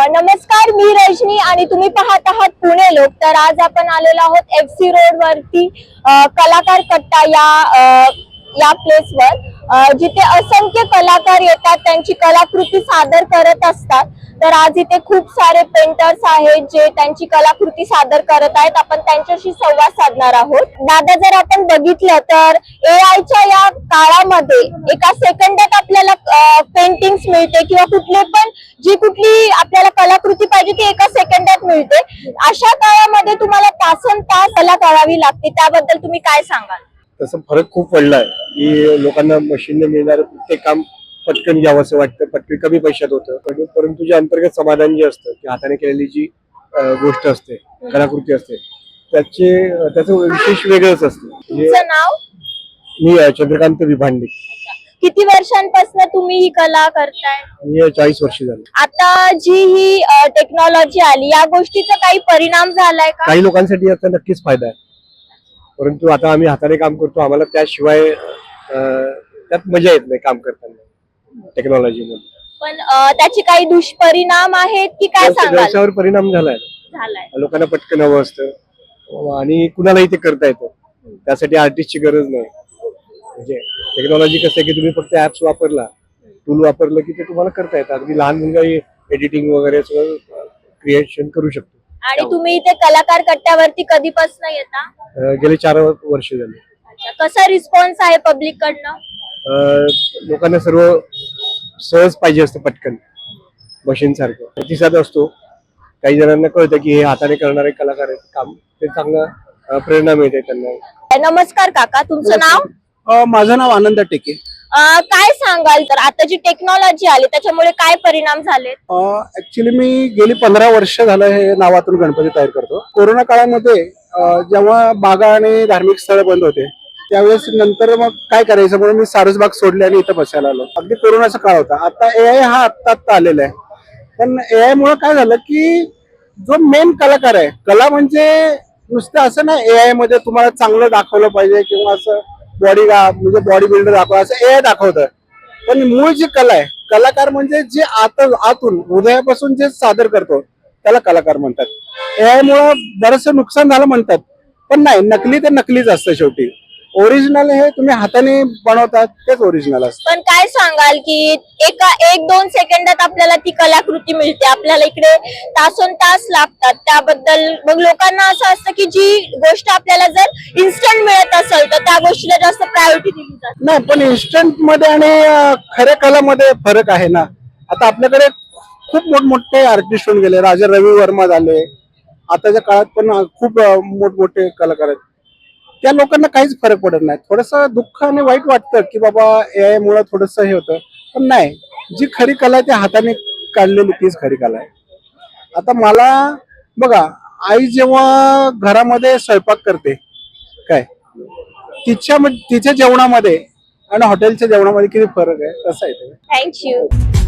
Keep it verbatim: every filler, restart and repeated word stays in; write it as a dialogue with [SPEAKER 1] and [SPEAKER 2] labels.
[SPEAKER 1] नमस्कार, मी रजनी आणि तुम्ही पाहत आहात पुणे लोक. तर आज आपण आलेलो आहोत एफ सी रोड वरती कलाकार कट्टा या या प्लेसवर, जिथे असंख्य कलाकार येतात, त्यांची कलाकृती सादर करत असतात. तर आज इथे खूप सारे पेंटर्स आहेत जे त्यांची कलाकृती सादर करत आहेत. आपण त्यांच्याशी संवाद साधणार आहोत. दादा, जर आपण बघितलं तर ए आयच्या या काळामध्ये एका सेकंदात आपल्याला पेंटिंग्स मिळते किंवा कुठले पण जी कुठली आपल्याला कलाकृती पाहिजे ती एका सेकंदात मिळते. अशा काळामध्ये तुम्हाला तासन तास कला करावी लागते, त्याबद्दल तुम्ही काय सांगाल?
[SPEAKER 2] तसं फरक खूप पडलाय की लोकांना मशीनने मिळणारं प्रत्येक काम पटकन घ्यावं असं वाटतं, पटकन कमी पैशात होतं. परंतु जे अंतर्गत समाधान जे असतं की हाताने केलेली जी गोष्ट असते, कलाकृती असते, त्याचे त्याचं विशेष वेगळंच असतं.
[SPEAKER 1] तुमचं नाव?
[SPEAKER 2] मी चंद्रकांत विभांडे.
[SPEAKER 1] किती वर्षांपासून तुम्ही ही कला करताय?
[SPEAKER 2] मी चाळीस वर्ष झाली.
[SPEAKER 1] आता जी ही टेक्नॉलॉजी आली, या गोष्टीचा काही परिणाम झालाय का?
[SPEAKER 2] काही लोकांसाठी याचा नक्कीच फायदा आहे, परंतु आता आम्ही हाताने काम करतो, आम्हाला त्याशिवाय त्यात मजा येत नाही काम करताना टेक्नॉलॉजी मध्ये.
[SPEAKER 1] पण त्याचे काही दुष्परिणाम आहेत की काय सांगाल?
[SPEAKER 2] व्यवसायावर परिणाम झालाय.
[SPEAKER 1] झालाय.
[SPEAKER 2] लोकांना पटकन हवं असतं आणि कुणालाही ते करता येतं, त्यासाठी आर्टिस्टची गरज नाही. म्हणजे टेक्नॉलॉजी कसं आहे की तुम्ही फक्त ऍप्स वापरला, टूल वापरलं की ते तुम्हाला करता येतं. अगदी लहान मुलगाही एडिटिंग वगैरे सगळं क्रिएशन करू शकतो.
[SPEAKER 1] आणि तुम्ही इथे कलाकार कट्ट्यावरती कधीपासून येता?
[SPEAKER 2] गेले चार वर्ष झाले.
[SPEAKER 1] कसा रिस्पॉन्स आहे पब्लिक कडनं?
[SPEAKER 2] लोकांना सर्व सहज पाहिजे असतं, पटकन मशीन सारखं प्रतिसाद असतो. काही जणांना कळतं की हे हाताने करणारे कलाकार आहेत, काम ते चांगलं प्रेरणा मिळते त्यांना.
[SPEAKER 1] नमस्कार काका, तुमचं नाव?
[SPEAKER 3] माझं नाव आनंद टेके.
[SPEAKER 1] काय सांगाल तर आता जी टेक्नॉलॉजी आली त्याच्यामुळे काय परिणाम झाले?
[SPEAKER 3] ऍक्च्युली मी गेली पंधरा वर्ष झालं हे नावातून गणपती तयार करतो. कोरोना काळामध्ये जेव्हा बागा आणि धार्मिक स्थळ बंद होते, त्यावेळेस नंतर मग काय करायचं म्हणून मी सारसबाग सोडली आणि इथं बसायला आलो. अगदी कोरोनाचा काळ होता. आता ए आय हा आत्ता आत्ता आलेला आहे, पण ए आय मुळे काय झालं की जो मेन कलाकार आहे, कला म्हणजे नुसतं असं नाही ए आय मध्ये तुम्हाला चांगलं दाखवलं पाहिजे किंवा असं बॉडी म्हणजे बॉडी बिल्डर दाखवा असं ए आय दाखवतं, पण मूळ जी कला आहे, कलाकार म्हणजे जे आत आतून हृदयापासून जे सादर करतो त्याला कलाकार म्हणतात. ए आय मुळे बरंचसं नुकसान झालं म्हणतात, पण नाही, नकली ते नकलीच असतं. शेवटी ओरिजिनल हे तुम्ही हाताने बनवतात तेच ओरिजिनल असतं.
[SPEAKER 1] पण काय सांगाल की एका एक दोन सेकंदात आपल्याला ती कलाकृती मिळते, आपल्याला इकडे तासोन तास लागतात, त्याबद्दल मग लोकांना असं असतं की जी गोष्ट आपल्याला जर इन्स्टंट मिळत असेल तर त्या गोष्टीला जास्त प्रायोरिटी दिली जाते?
[SPEAKER 3] नाही, पण इन्स्टंट मध्ये आणि खऱ्या कलामध्ये फरक आहे ना. आता आपल्याकडे खूप मोठमोठे आर्टिस्ट होऊन गेले, राजा रवी वर्मा झाले, आताच्या काळात पण खूप मोठमोठे कलाकार आहेत. त्या लोकांना काहीच फरक पडत नाही. थोडस दुःख आणि वाईट वाटतं की बाबा ए आय मुळे थोडस हे होतं, पण नाही, जी खरी कला आहे ती हाताने काढलेली तीच खरी कला आहे. आता मला बघा, आई जेव्हा घरामध्ये स्वयंपाक करते काय, तिच्या तिच्या जेवणामध्ये आणि हॉटेलच्या जेवणामध्ये किती फरक आहे, तसं आहे.
[SPEAKER 1] थँक्यू.